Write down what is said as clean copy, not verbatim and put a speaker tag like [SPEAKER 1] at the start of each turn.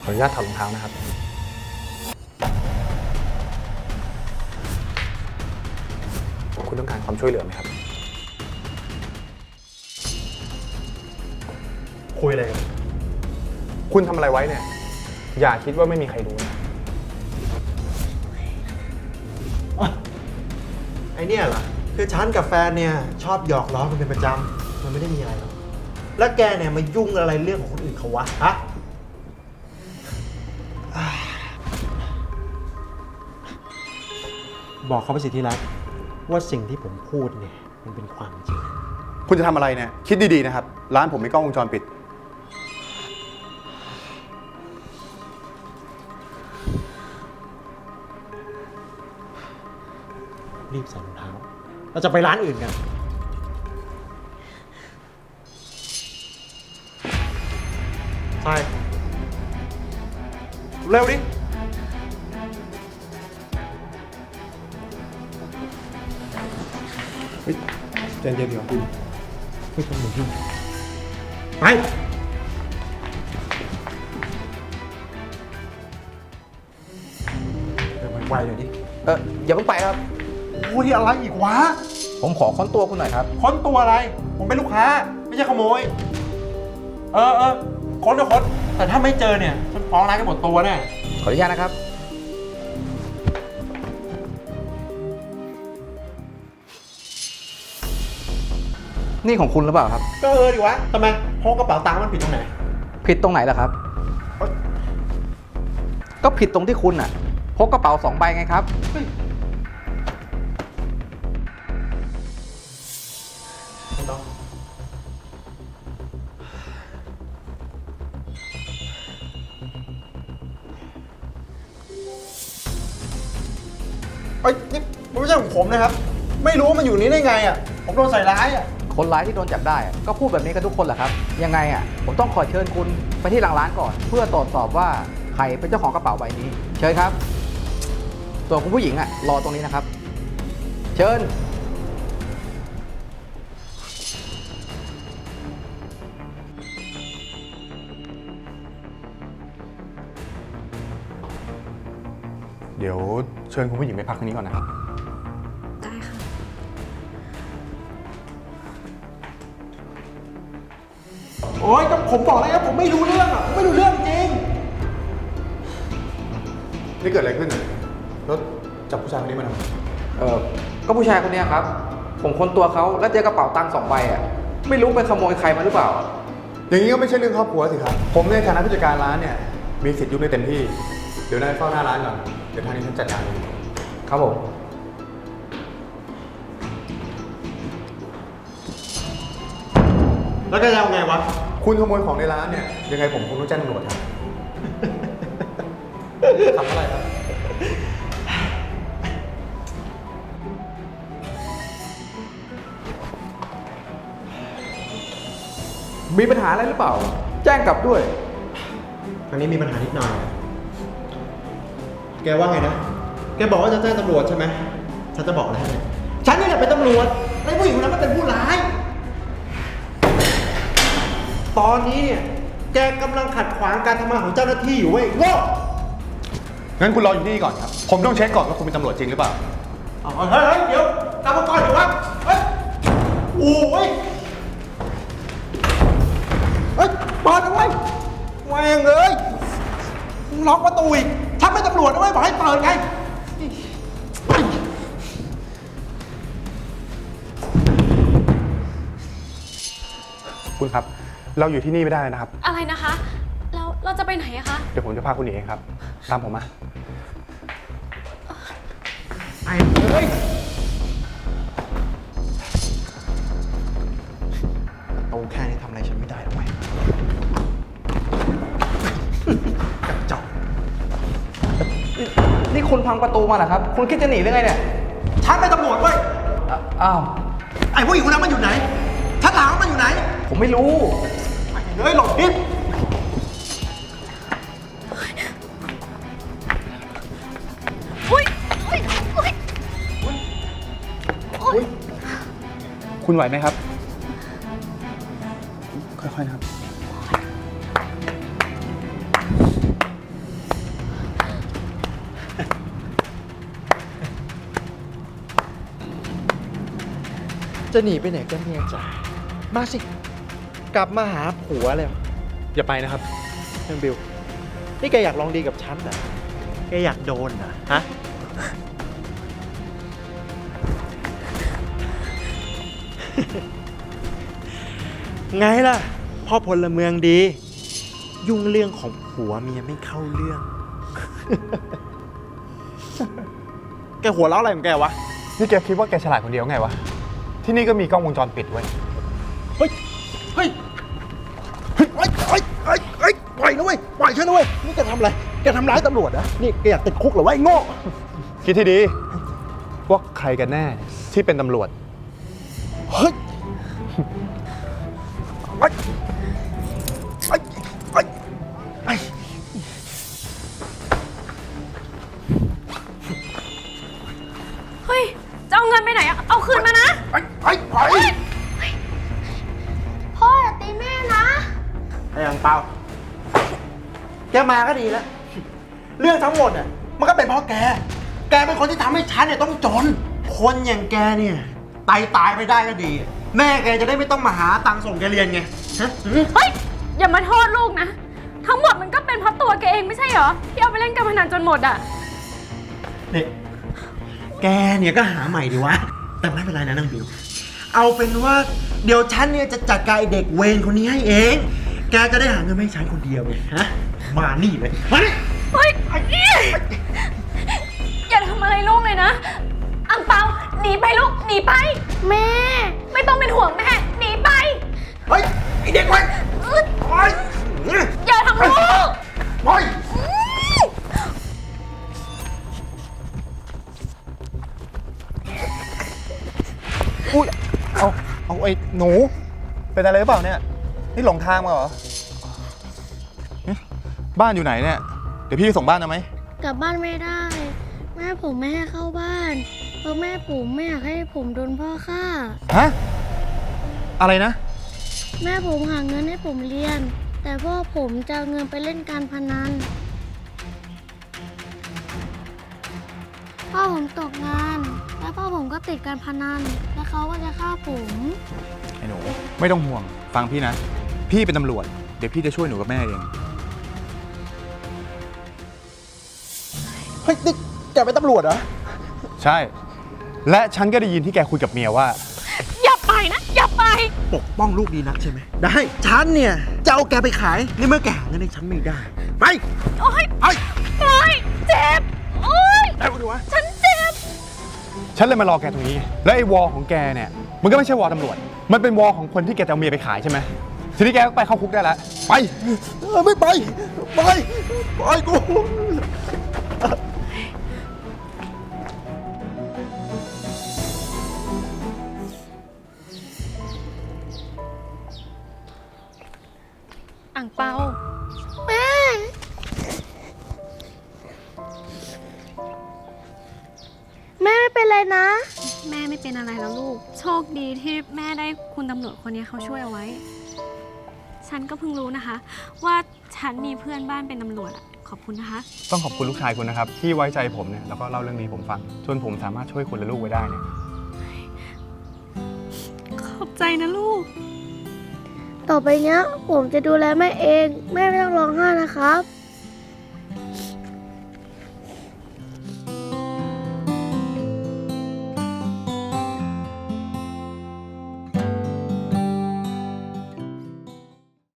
[SPEAKER 1] ออนุญาตถอดรองเท้านะครับคุณต้องการความช่วยเหลือไหมครับคุยอะไรกันคุณทำอะไรไว้เนี่ยอย่าคิดว่าไม่มีใครรู้นะ
[SPEAKER 2] ไอเนี่ยเหรอคือฉันกับแฟนเนี่ยชอบหยอกล้อกันเป็นประจำมันไม่ได้มีอะไรหรอกแล้วแกเนี่ยมายุ่งอะไรเรื่องของคนอื่นเขาวะฮะบอกเขาไปสิที่รักว่าสิ่งที่ผมพูดเนี่ยมันเป็นความจริง
[SPEAKER 3] คุณจะทำอะไรเนี่ยคิดดีๆนะครับร้านผมมีกล้องวงจรปิด
[SPEAKER 2] รีบใส่รองเท้าเราจะไปร้านอื่นกันใช่เร็วดิ
[SPEAKER 3] ใจเย็นๆเดี๋ยวคุณ
[SPEAKER 2] ไม่ต้องหนีไปไวๆหน่อยดิ
[SPEAKER 4] อย่าเพิ่งไปครับ
[SPEAKER 2] โอ้ยอะไรอีกวะ
[SPEAKER 4] ผมขอค้นตัวคุณหน่อยครับ
[SPEAKER 2] ค้นตัวอะไร ผมเป็นลูกค้า ไม่ใช่ขโมย ค้นก็ค้น แต่ถ้าไม่เจอเนี่ย ฉันฟ้องร้านกันหมดตัวแน่
[SPEAKER 4] ขออนุญาตนะครับ นี่ของคุณหรือเปล่าครับ
[SPEAKER 2] ก็ดิวะทำไมพกกระเป๋าตังค์มันผิดตรงไหน
[SPEAKER 4] ผิดตรงไหนล่ะครับ ก็ผิดตรงที่คุณน่ะพกกระเป๋า2 ใบไงครับ
[SPEAKER 2] ไม่ต้องนี่มันไม่ใช่ของผมนะครับ ไม่รู้ว่ามันอยู่นี้ได้ไงอ่ะ ผมโดนใส่ร้ายอ่ะ
[SPEAKER 4] คนร้ายที่โดนจับได้อะก็พูดแบบนี้กันทุกคนแหละครับ ยังไงอ่ะผมต้องขอเชิญคุณไปที่หลังร้านก่อน เพื่อตรวจสอบว่าใครเป็นเจ้าของกระเป๋าใบนี้ เชิญครับส่วนคุณผู้หญิงอ่ะรอตรงนี้นะครับ เชิญ
[SPEAKER 3] เดี๋ยวเชิญคุณผู้หญิงไปพักตรงนี้ก่อนนะครับ
[SPEAKER 5] ได้ค่ะ
[SPEAKER 2] โอ๊ยก็ผมบอกแล้วผมไม่รู้เรื่องอ่ะผมไม่รู้เรื่องจริง
[SPEAKER 3] นี่เกิดอะไรขึ้นเนี่ยแล้วจับผู้ชายคนนี้มาทำไม
[SPEAKER 4] ก็ผู้ชายคนเนี้ยครับ ผมค้นตัวเขาแล้วเจอกระเป๋าตังค์2 ใบอ่ะไม่รู้ไปขโมยใครมาหรือเปล่า
[SPEAKER 3] อย่างนี้ก็ไม่ใช่เรื่องครอบครัวสิครับ ผมในฐานะผู้จัดการร้านเนี่ยมีสิทธิ์ยุ่งได้เต็มที่ เดี๋ยวนายเฝ้าหน้าร้านก่อน เดี๋ยวทางนี้ฉันจัดการเอง
[SPEAKER 4] ครับผม
[SPEAKER 2] แล้วจะเอาไงวะ
[SPEAKER 3] คุณขโมยของในร้านเนี่ยยังไงผมคงต้องแจ้งตำรวจครับ ทำอะไรครับ
[SPEAKER 4] มีปัญหาอะไรหรือเปล่า แจ้งกลับด้วย
[SPEAKER 2] ครั้งนี้มีปัญหานิดหน่อย แกว่าไงนะ แกบอกว่าจะแจ้งตำรวจใช่ไหม ฉันจะบอกอะไรให้ฉันนี่แหละเป็นตำรวจไอ้ผู้หญิงคนนั้นมันเป็นผู้ร้าย ตอนนี้เนี่ย แกกำลังขัดขวางการทำงานของเจ้าหน้าที่อยู่เว้ยโง่
[SPEAKER 3] งั้นคุณรออยู่ที่นี่ก่อนครับ ผมต้องเช็คก่อนว่าคุณเป็นตำรวจจริงหรือเปล่า
[SPEAKER 2] เฮ้ย เดี๋ยวกลับมาก่อนเดี๋ยววะเฮ้ย โอ้ย เฮ้ยเปิดเอาไว้แม่งเลยล็อกประตูอีกฉันเป็นตำรวจนะเว้ยบอกให้เปิดไง
[SPEAKER 3] คุณครับ เราอยู่ที่นี่ไม่ได้นะครับ
[SPEAKER 5] อะไรนะคะ แล้วเราจะไปไหนอะคะ
[SPEAKER 3] เดี๋ยวผมจะพาคุณหนีเองครับ ตามผมมา
[SPEAKER 2] ไอ้เฮ้ยโตแค่นี้ทำอะไรฉันไม่ได้หรอกเว้ยกระจอก
[SPEAKER 4] นี่คุณพังประตูมาเหรอครับ คุณคิดจะหนีหรือไงเนี่ย
[SPEAKER 2] ฉันเป็นตำรวจเว้ย
[SPEAKER 4] อ้าว
[SPEAKER 2] ไอ้ผู้หญิงคนนั้นมันอยู่ไหน ฉันถามว่ามันอยู่ไหน
[SPEAKER 4] ผมไม่รู้
[SPEAKER 2] ไอ้เฮ้ยหลบดิ
[SPEAKER 5] อุ้ยอุ้ยอุ้ย
[SPEAKER 3] คุณไหวไหมครับ ค่อยๆนะครับ
[SPEAKER 2] จะหนีไปไหนกันเนี่ยจ้ะมาสิ กลับมาหาผัวเลย
[SPEAKER 1] อย่าไปนะครับ
[SPEAKER 2] เรื่องบิว นี่แกอยากลองดีกับฉันเหรอแกอยากโดนเหรอฮะ ไงล่ะ พ่อพลเมืองดี ยุ่งเรื่องของผัวเมียไม่เข้าเรื่อง แกหัวเราะอะไรของแกวะ
[SPEAKER 1] นี่แกคิดว่าแกฉลาดคนเดียวไงวะ ที่นี่ก็มีกล้องวงจรปิดไว้ย
[SPEAKER 2] เฮ้ย เฮ้ย เฮ้ยปล่อยนะเว้ย ปล่อยฉันนะเว้ย นี่แกทำอะไร แกทำร้ายตำรวจนะ นี่แกอยากติดคุกเหรอวะไอ้โง่
[SPEAKER 1] คิดที่ดีว่าใครกันแน่ที่เป็นตำรวจ
[SPEAKER 2] เฮ้ยไอ้ไอ้ไอ้ไอ้
[SPEAKER 5] เฮ้ย จะเอาเงินไปไหนอะเอาคืนมานะ
[SPEAKER 2] ไอ้ไอ้ไอ้
[SPEAKER 5] พ่ออย่าตีแม่นะ
[SPEAKER 2] ไอ้อังเปาแกมาก็ดีแล้ว เรื่องทั้งหมดอ่ะมันก็เป็นเพราะแก แกเป็นคนที่ทำให้ฉันเนี่ยต้องจน คนอย่างแกเนี่ยตายไปได้ก็ดี แม่แกจะได้ไม่ต้องมาหาตังค์ส่งแกเรียนไงฮะ
[SPEAKER 5] เฮ้ย อย่ามาโทษลูกนะ ทั้งหมดมันก็เป็นเพราะตัวแกเองไม่ใช่เหรอ ที่เอาไปเล่นการพนันจนหมดอะ
[SPEAKER 2] นี่แกเนี่ยก็หาใหม่ดีวะ แต่ไม่เป็นไรนะนางบิว เอาเป็นว่าเดี๋ยวฉันเนี่ยจะจัดการไอ้เด็กเวรคนนี้ให้เอง แกจะได้หาเงินไม่ให้ฉันคนเดียวเลยฮะ มานี่เลย มานี่
[SPEAKER 5] เฮ้ยอย่าทำอะไรลูกเลยนะ อังเปาหนีไปลูก หนีไป แม่ ไม่ต้องเป็นห่วงแม่ หนีไป
[SPEAKER 2] เฮ้ย ไอ้เด็กเวรโอ๊ย
[SPEAKER 5] อย่าทำลูก
[SPEAKER 2] โอ๊ย
[SPEAKER 1] อุ้ย เอาไอ้หนู เป็นอะไรหรือเปล่าเนี่ย นี่หลงทางมาเหรอ บ้านอยู่ไหนเนี่ย เดี๋ยวพี่ไปส่งบ้านเอาไหม
[SPEAKER 6] กลับบ้านไม่ได้ แม่ผมไม่ให้เข้าบ้าน เพราะแม่ผมไม่อยากให้ผมโดนพ่อฆ่า
[SPEAKER 1] ฮะ อะไรนะ
[SPEAKER 6] แม่ผมหาเงินให้ผมเรียน แต่พ่อผมจะเอาเงินไปเล่นการพนัน พ่อผมตกงาน และพ่อผมก็ติดการพนัน และเขาก็จะฆ่าผม
[SPEAKER 3] ไอ้หนู ไม่ต้องห่วง ฟังพี่นะ พี่เป็นตำรวจ เดี๋ยวพี่จะช่วยหนูกับแม่เอง
[SPEAKER 2] เฮ้ยนี่แกเป็นตำรวจเหรอ
[SPEAKER 1] ใช่ และฉันก็ได้ยินที่แกคุยกับเมียว่า
[SPEAKER 5] อย่าไปนะ อย่าไป
[SPEAKER 2] ปกป้องลูกดีนักใช่ไหม ได้ ฉันเนี่ยจะเอาแกไปขายในเมื่อแกหาเงินให้ฉันไม่ได้ ไป
[SPEAKER 5] โอ๊ย
[SPEAKER 2] ไป
[SPEAKER 5] โอ๊ยเจ็บ โอ๊ย
[SPEAKER 2] ไปดูวะ
[SPEAKER 5] ฉันเจ็บ
[SPEAKER 1] ฉันเลยมารอแกตรงนี้ไงแล้วไอ้วอของแกเนี่ย มันก็ไม่ใช่วอตำรวจ มันเป็นวอของคนที่แกจะเอาเมียไปขายใช่ไหม ทีนี้แกก็ไปเข้าคุกได้แล้ว ไป
[SPEAKER 2] ไม่ไป ไปกู
[SPEAKER 5] อ่างเปา
[SPEAKER 6] แม่ แม่ไม่เป็นไรนะ
[SPEAKER 5] แม่ไม่เป็นอะไรแล้วลูก โชคดีที่แม่ได้คุณตำรวจคนนี้เขาช่วยเอาไว้ ฉันก็เพิ่งรู้นะคะ ว่าฉันมีเพื่อนบ้านเป็นตำรวจอะขอบคุณนะคะ
[SPEAKER 1] ต้องขอบคุณลูกชายคุณนะครับ ที่ไว้ใจผมเนี่ย แล้วก็เล่าเรื่องนี้ผมฟัง จนผมสามารถช่วยคุณและลูกไว้ได้เนี่ย
[SPEAKER 5] ขอบใจนะลูก
[SPEAKER 6] ต่อไปเนี้ยผมจะดูแลแม่เอง แม่ไม่ต้องร้องไห้นะครับ